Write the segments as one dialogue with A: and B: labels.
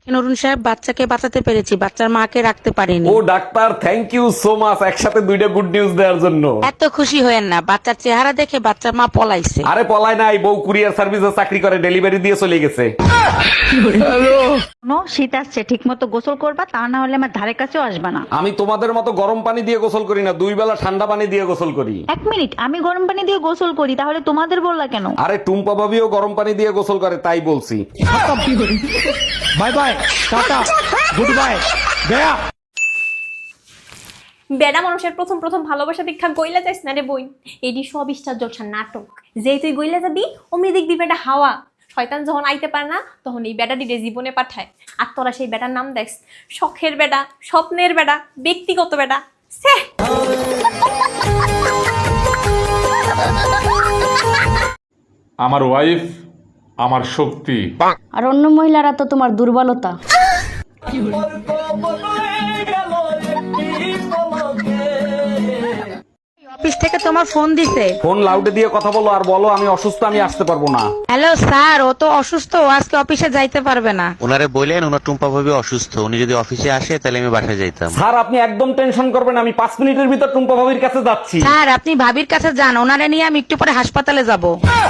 A: অরুণ সাহেব, বাচ্চাকে বাঁচাতে পেরেছি, বাচ্চার মাকে রাখতে পারিনি।
B: ও doctor, thank you so much, একসাথে দুইটা গুড নিউজ দেওয়ার জন্য।
A: এত খুশি হয়েন না, বাচ্চার চেহারা দেখে বাচ্চার মা পলাইছে।
B: আরে পলায় নাই, বউ কুরিয়ার সার্ভিসে চাকরি করে, ডেলিভারি দিয়ে চলে গেছে।
C: শীত আসছে, ঠিক মতো গোসল করবা, তা না হলে আমার ধারে কাছেও আসবা না।
B: আমি তোমাদের মতো গরম পানি দিয়ে গোসল করি না, 2 বেলা ঠান্ডা পানি দিয়ে গোসল করি।
C: 1 মিনিট, আমি গরম পানি দিয়ে গোসল করি, তাহলে তোমাদের বললা কেন?
B: আরে টুম্পা ভাবিও গরম পানি দিয়ে গোসল করে, তাই বলছি।
D: Bye bye, tata, good bye, গয়া।
E: বেড়া মানুষের প্রথম প্রথম ভালোবাসা দীক্ষা গইলা যাইস না রে বই, এডি সব ইচ্ছা জলসা নাটক। যেই তুই গইলা যাবি অমনি দেখবি বেটা হাওয়া। শয়তান যখন আইতে পারে না তখন এই বেটা দিলে জীবনে পাঠায়। আর তোরা সেই বেটার নাম দেখস শখের বেটা, স্বপ্নের বেটা, ব্যক্তিগত বেটা। সে
F: আমার ওয়াইফ আমার শক্তি।
G: আর অন্য মহিলারা তো তোমার দুর্বলতা।
A: অফিস থেকে তোমার ফোন দিছে।
B: ফোন লাউডে দিয়ে কথা বলো আর বলো আমি অসুস্থ, আমি আসতে পারবো না।
A: হ্যালো স্যার, ও তো অসুস্থ, ও আজকে অফিসে যাইতে পারবে না।
H: ওনারে বললেন ওনার টুম্পা ভাবি অসুস্থ, উনি যদি অফিসে আসে তাহলে আমি বাসায় যাইতাম।
B: স্যার আপনি একদম টেনশন করবেন, আমি 5 মিনিটের ভিতর টুম্পা ভাবির কাছে যাচ্ছি।
A: স্যার আপনি ভাবির কাছে যান, ওনারে নিয়ে আমি একটু পরে হাসপাতালে যাব।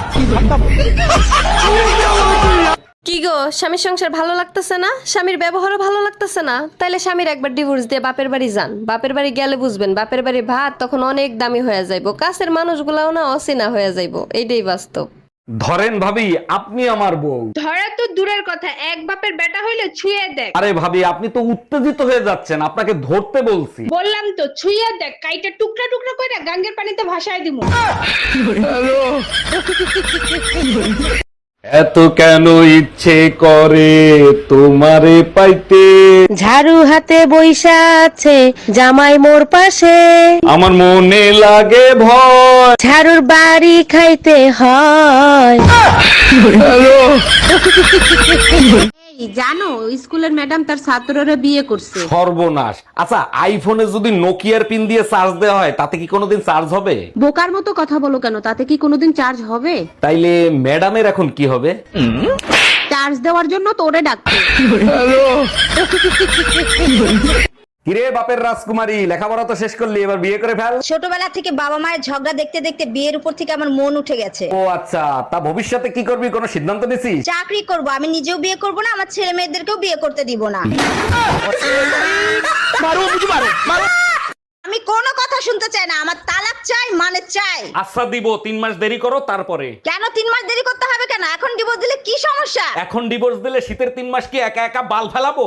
I: কি গো, স্বামীর সংসার ভালো লাগতেছে না? স্বামীর ব্যবহারও ভালো লাগতেছে না? তাইলে স্বামীর একবার ডিভোর্স দিয়ে বাপের বাড়ি যান। বাপের বাড়ি গেলে বুঝবেন বাপের বাড়ি ভাত তখন অনেক দামি হয়ে যাইবো, কাছের মানুষগুলাও না অচেনা হয়ে যাইবো। এইটাই বাস্তব।
B: ধরেন ভাবি, আপনি আমার বউ।
J: ধরা তো দূরের কথা, এক বাপের বেটা হইলে ছুঁয়ে দেখ।
B: আরে ভাবি, আপনি তো উত্তেজিত হয়ে যাচ্ছেন, আপনাকে ধরতে বলছি।
J: বললাম তো ছুঁয়ে দেখ, কাইটা টুকরা টুকরা করে গাঙ্গের পানিতে ভাসায় দিমু।
B: এত কেন ইচ্ছে করে তোমারে পাইতে,
A: ঝাড়ু হাতে বইসা আছে জামাই মোর পাশে,
B: আমার মনে লাগে ভয়।
A: ঝাড়ুর বাড়ি খাইতে হয়। জানো, স্কুলের ম্যাডাম তার ছাত্ররা বিয়ে করছে।
B: সর্বনাশ। আচ্ছা, আইফোনে যদি নোকিয়ার পিন দিয়ে চার্জ দেওয়া হয় তাতে কি কোনোদিন চার্জ হবে?
A: বোকার মতো কথা বলো কেন, তাতে কি কোনোদিন চার্জ হবে?
B: তাইলে ম্যাডামের এখন কি হবে?
A: চার্জ দেওয়ার জন্য তোরে ডাকছে।
B: কিরে বাপের রাজকুমারী, লেখাপড়া তো শেষ করলি, এবার বিয়ে করে ফেল।
K: ছোটবেলা থেকে বাবা মায়ের ঝগড়া দেখতে দেখতে বিয়ের উপর থেকে আমার মন উঠে গেছে।
B: ও আচ্ছা, তা ভবিষ্যতে কি করবি, কোনো সিদ্ধান্ত নিছিস?
K: চাকরি করব, আমি নিজেও বিয়ে করব না, আমার ছেলে মেয়েদেরকেও বিয়ে করতে দিব না। আমি কোনো কথা শুনতে চাই না, আমার তালাক চাই, মানে চাই।
B: আচ্ছা দিব, 3 মাস দেরি করো তারপরে।
K: কেন 3 মাস দেরি করতে হবে কেন? এখন ডিভোর্স দিলে কি সমস্যা?
B: এখন ডিভোর্স দিলে শীতের 3 মাস কি একা একা বাল ফেলাবো?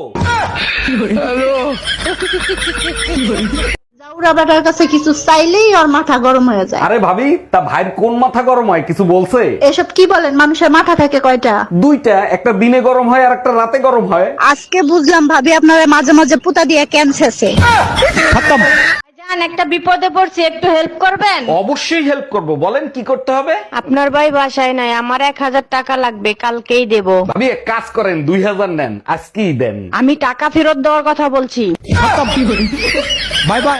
C: জাউরা বেটার কাছে কিছু চাইলেই ওর মাথা গরম হয়ে যায়।
B: আরে ভাবি, তা ভাইয়ের কোন মাথা গরম হয়, কিছু বলছে?
C: এসব কি বলেন, মানুষের মাথা থাকে কয়টা?
B: 2টা, একটা দিনে গরম হয় আর একটা রাতে গরম হয়।
C: আজকে বুঝলাম ভাবি আপনারা মাঝে মাঝে পুতা দিয়ে ক্যান্সারছে।
G: একটা বিপদে পড়ছি, একটু হেল্প করবেন?
B: অবশ্যই হেল্প করব, বলেন কি করতে হবে।
G: আপনার ভাই বাসায় নাই, আমার 1000 টাকা লাগবে, কালকেই দেব।
B: ভাবি এক কাজ করেন, 2000 নেন, আজকেই দেন।
G: আমি টাকা ফেরত দেওয়ার কথা বলছি।
D: Bye by.